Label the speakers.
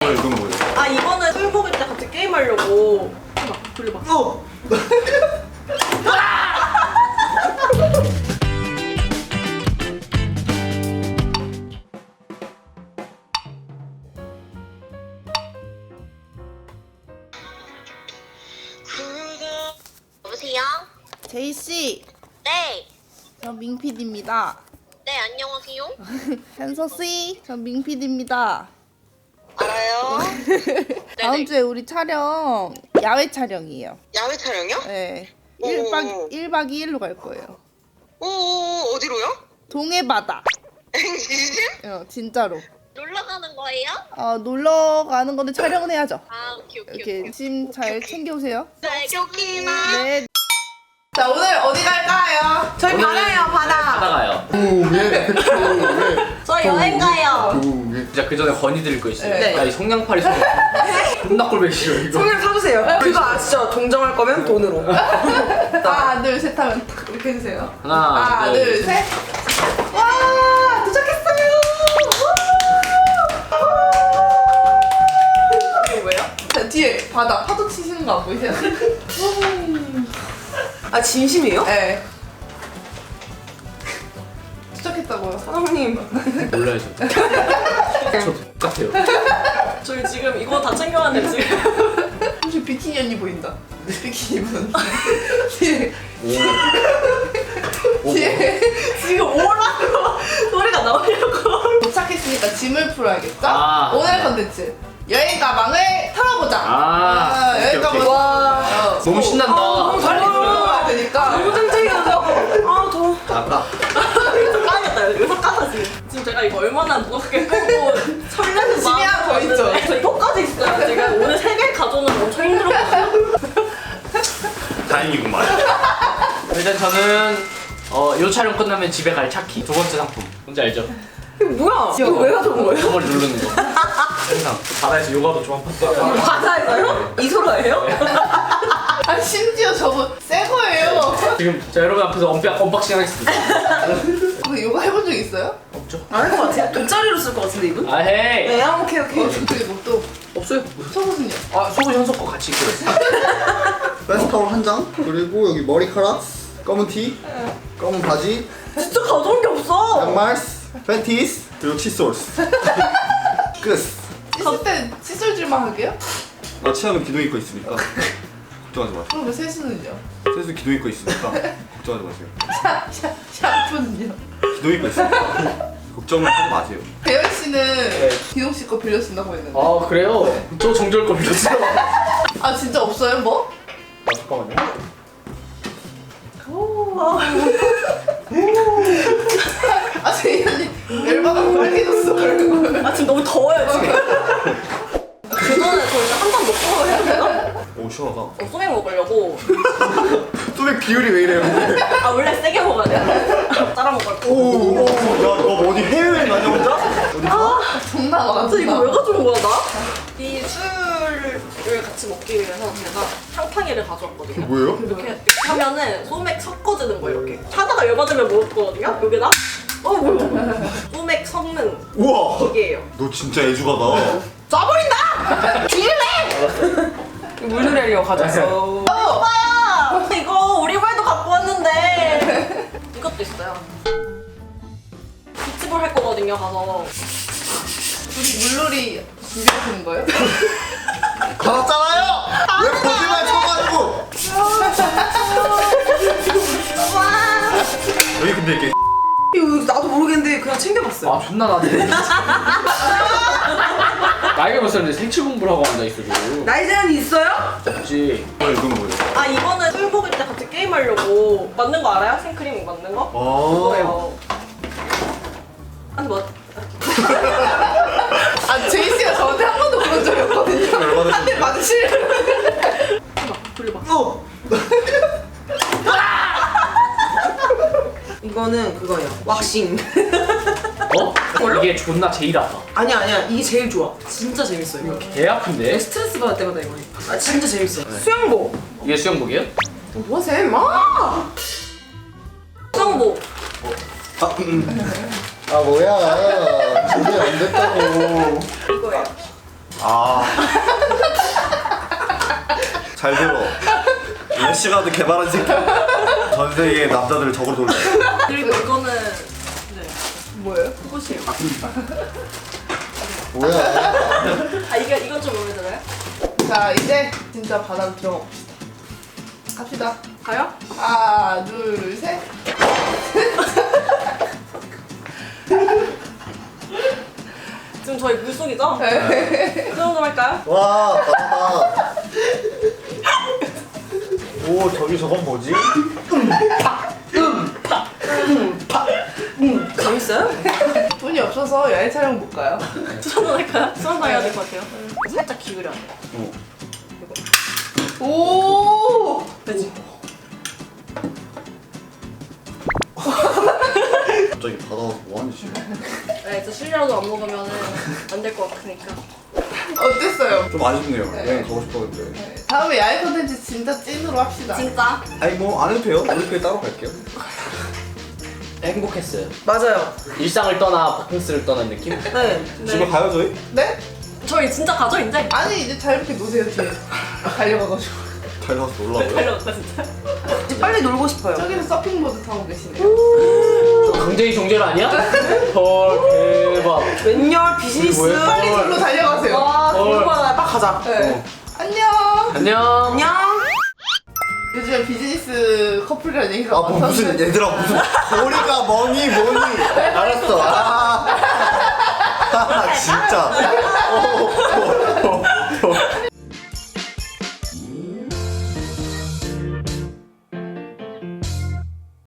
Speaker 1: 이건 뭐예요?
Speaker 2: 아 이거는 술 먹을 때 같이 게임하려고. 해봐, 돌려봐.
Speaker 3: 여보세요?
Speaker 4: 제이씨,
Speaker 3: 네.
Speaker 4: 저 민PD입니다.
Speaker 3: 네, 안녕하세요.
Speaker 4: 현서씨, 저 민PD입니다.
Speaker 3: 알아요?
Speaker 4: 다음 주에 우리 촬영, 야외 촬영이에요.
Speaker 3: 야외 촬영이요?
Speaker 4: 네.
Speaker 3: 오.
Speaker 4: 1박 2일로 갈 거예요.
Speaker 3: 오, 어디로요?
Speaker 4: 동해바다.
Speaker 3: 진심?
Speaker 4: 진짜로.
Speaker 3: 놀러 가는 거예요?
Speaker 4: 놀러 가는 건데 촬영은 해야죠.
Speaker 3: 아, 오케이.
Speaker 4: 이렇게 짐 잘 챙겨오세요.
Speaker 3: 네, 여기나.
Speaker 4: 네. 자, 오늘 어디 갈까요?
Speaker 2: 저희 바다예요, 바다.
Speaker 5: 하다 가요.
Speaker 2: 저희 여행 가요.
Speaker 5: 진짜 그 전에 건의드릴 거 있어요.
Speaker 2: 네.
Speaker 5: 야, 이 성냥팔이 소리. 존나 꼴보기 싫어 이거.
Speaker 2: 성냥 사주세요. 그거 아시죠? 동정할 거면 돈으로.
Speaker 4: 하나, 둘, 셋 하면 이렇게 해주세요.
Speaker 5: 하나,
Speaker 4: 둘, 셋. 와, 도착했어요.
Speaker 2: 이거 왜요?
Speaker 4: 자, 뒤에 바다 파도 치시는 거 안 보이세요?
Speaker 2: 아 진심이에요?
Speaker 4: 네. 도착했다고요.
Speaker 2: 사장님.
Speaker 5: 몰라요 저. 저 똑같아요.
Speaker 2: 저희 지금 이거 다 챙겨왔는데 지금.
Speaker 4: 혹시 비키니 언니 보인다. 비키니 분. 뒤에 뒤에
Speaker 2: 지금 오라고 소리가 나오려고.
Speaker 4: 도착했으니까 짐을 풀어야겠죠?
Speaker 5: 아,
Speaker 4: 오늘
Speaker 5: 네.
Speaker 4: 컨텐츠 여행 가방을 털어보자.
Speaker 5: 오케이,
Speaker 4: 여행 가방.
Speaker 5: 오케이.
Speaker 2: 와.
Speaker 5: 너무 신난다.
Speaker 4: 빨리 들어가야 되니까.
Speaker 2: 너무 짱짱이어서. 아 더워.
Speaker 5: 아까
Speaker 2: 까야겠다. 여기서 까서 지금 제가 이거 얼마나 무겁게 끌고 설레는
Speaker 4: 짐이 하나 더 있죠?
Speaker 2: 마음이었는데 저희 턱까지 있어요. 제가 오늘 3개 가져오는 엄청 힘들었거든요.
Speaker 1: 다행이구만.
Speaker 5: 일단 저는 요 촬영 끝나면 집에 갈 차키. 두 번째 상품. 뭔지 알죠?
Speaker 2: 이거 뭐야? 이거 왜 가져온 거예요?
Speaker 5: 선물 누르는 거. 항상 바다에서 요가도 조합했다.
Speaker 2: 바다에서요? 이소라예요?
Speaker 4: 아 심지어 저거 새 거예요.
Speaker 5: 지금 자 여러분 앞에서 언박싱 하겠습니다.
Speaker 4: 근데 이거 해본 적 있어요?
Speaker 5: 없죠?
Speaker 2: 안 할 것 같아요. 돗자리로 쓸 것 같은데 이분?
Speaker 5: 아 헤이.
Speaker 2: 네, 오케이.
Speaker 4: 저쪽에 뭐또
Speaker 5: 없어요.
Speaker 4: 속옷은요?
Speaker 5: 아 속옷 현석 거 같이 입고 있어요.
Speaker 1: 페스타올 한 장, 그리고 여기 머리카락, 검은 티, 검은 바지,
Speaker 2: 진짜 가져온 게 없어.
Speaker 1: 양말, 팬티스, 그리고 칫솔스. 끝.
Speaker 4: 씻을 때 칫솔질만 하게요?
Speaker 1: 나 치아는 기둥 입고 있으니까 걱정하지 마세요.
Speaker 4: 그럼 세수는요?
Speaker 1: 세수 기둥 입고 있으니까 걱정하지 마세요.
Speaker 4: 샤프는요?
Speaker 1: 기둥 입고 있으니까 걱정을 하지 마세요.
Speaker 4: 배현 씨는 기동 씨 거 빌려 쓴다고 했는데.
Speaker 5: 아 그래요? 저 정절 거 빌렸어요.
Speaker 4: 아 진짜 없어요 뭐?
Speaker 5: 아 잠깐만요.
Speaker 4: 아 제이언니 열받아서 빨개졌어 그러는 거예요.
Speaker 2: 아 지금 너무 더워요 지금. 그 전에 저희가 한 잔 먹고 해야 되나?
Speaker 1: 오 시원하다.
Speaker 2: 소맥 먹으려고.
Speaker 1: 소맥 비율이 왜 이래요? 근데?
Speaker 2: 아 원래 세게 먹어야 돼요. 따라 먹을 거.
Speaker 1: 오, 야너 어디 해외여행 가냐 혼자? 어디?
Speaker 4: 장난 안
Speaker 2: 진짜 이거 왜
Speaker 4: 한다.
Speaker 2: 가져온 거야 나? 이 술을 같이 먹기 위해서 제가 탕탕이를 가져왔거든요.
Speaker 1: 뭐예요?
Speaker 2: 이렇게 하면은 소맥 섞어주는 거예요 이렇게. 하다가 열받으면 먹을 거거든요. 여기다. 뭐야? 소맥 섞는
Speaker 1: 우와.
Speaker 2: 기계예요.
Speaker 1: 너 진짜 애주가다.
Speaker 2: 쏴버린다! 죽일래! 물놀이 하려고 가져왔어. 오빠야! 이거 우리 발도 갖고 왔는데 이것도 있어요. 비치볼 할 거거든요 가서.
Speaker 4: 우리 물놀이 준비하시는 거예요?
Speaker 1: 받았잖아요. 왜 거짓말 쳐가지고? 여기 근데 이게
Speaker 2: 이거 나도 모르겠는데 그냥 챙겨봤어요.
Speaker 5: 아 존나 나네. 나이가 몇 살인데 생체 공부를 하고 앉아 있어 지금.
Speaker 2: 나이 제한이 있어요?
Speaker 5: 없지.
Speaker 1: 이건 뭐예요?
Speaker 2: 아 이거는 술 먹을 때 같이 게임하려고 만든 거 알아요? 생크림 만든 거? 그거예요. 아니 뭐
Speaker 4: 아 제이 씨가 저한테 한 번도 그런 적이 없거든요. 한 대 맞으실.
Speaker 2: 돌려봐.
Speaker 6: 이거는 그거예요. 왁싱.
Speaker 5: 어? 이게 존나 제일 아파.
Speaker 6: 아니야. 이게 제일 좋아. 진짜 재밌어요. 이거.
Speaker 5: 개 아픈데?
Speaker 6: 스트레스 받을 때마다 이거 해. 아 진짜 재밌어요.
Speaker 2: 수영복.
Speaker 5: 이게 수영복이에요?
Speaker 6: 뭐하세요, 임마?
Speaker 2: 수영복.
Speaker 1: 아 뭐야 준비 안 됐다고.
Speaker 2: 이거예요.
Speaker 1: 아. 잘 들어. 래시가드 개발한 새끼. 전 세계 남자들을 적으로 돌려.
Speaker 2: 그리고 이거는 네
Speaker 6: 뭐예요?
Speaker 2: 그것이에요.
Speaker 1: 뭐야?
Speaker 2: 아 이건 좀 마음에 들어요?
Speaker 6: 자 이제 진짜 바닥 들어봅시다. 갑시다.
Speaker 2: 가요?
Speaker 6: 하나 둘 셋.
Speaker 2: 지금 저희 물속이죠?
Speaker 6: 네.
Speaker 2: 그 정도 할까요?
Speaker 1: 와, 바다다. 오, 저기 저건 뭐지?
Speaker 2: 재밌어요?
Speaker 6: 돈이 없어서 야외 촬영 못 가요.
Speaker 2: 수산당 할까요? 수산당 해야 될 것 같아요. 살짝 기울여.
Speaker 6: 오.
Speaker 2: 그치?
Speaker 1: 갑자기 바다 와서 뭐하는 짓이야?
Speaker 2: 네, 저 실내라도 안 먹으면 안 될 것 같으니까.
Speaker 6: 어땠어요?
Speaker 1: 좀 아쉽네요. 여행 가고 싶었는데.
Speaker 6: 네. 다음에 야외 콘텐츠 진짜 찐으로 합시다.
Speaker 2: 진짜?
Speaker 1: 아니 뭐 안 해도 돼요. 올림픽에 따로 갈게요.
Speaker 5: 행복했어요.
Speaker 6: 맞아요.
Speaker 5: 일상을 떠나 바캉스를 떠난 느낌?
Speaker 6: 네.
Speaker 1: 집에 가요 저희?
Speaker 6: 네?
Speaker 2: 저희 진짜 가죠, 이제?
Speaker 6: 아니 이제 자유롭게 노세요 뒤에. 달려가가지고.
Speaker 1: 달려가서 놀라고요.
Speaker 2: 달려갔다, 진짜.
Speaker 6: 이제 빨리 놀고 싶어요. 저기는 서핑보드 타고 계시네요.
Speaker 5: 저 강제의 종절 아니야? 헐 대박.
Speaker 6: 웬열 비즈니스.
Speaker 5: 뭐야?
Speaker 6: 빨리 절로 달려가세요.
Speaker 2: 와, 궁금하다.
Speaker 6: 빨리 가자. 네. 안녕.
Speaker 5: 안녕.
Speaker 6: 안녕. 요즘에 비즈니스 커플이라는 얘기가
Speaker 1: 아, 뭐 무슨
Speaker 6: 많던데.
Speaker 1: 얘들아 무슨 머리가 뭐니. 알았어. 아, 진짜.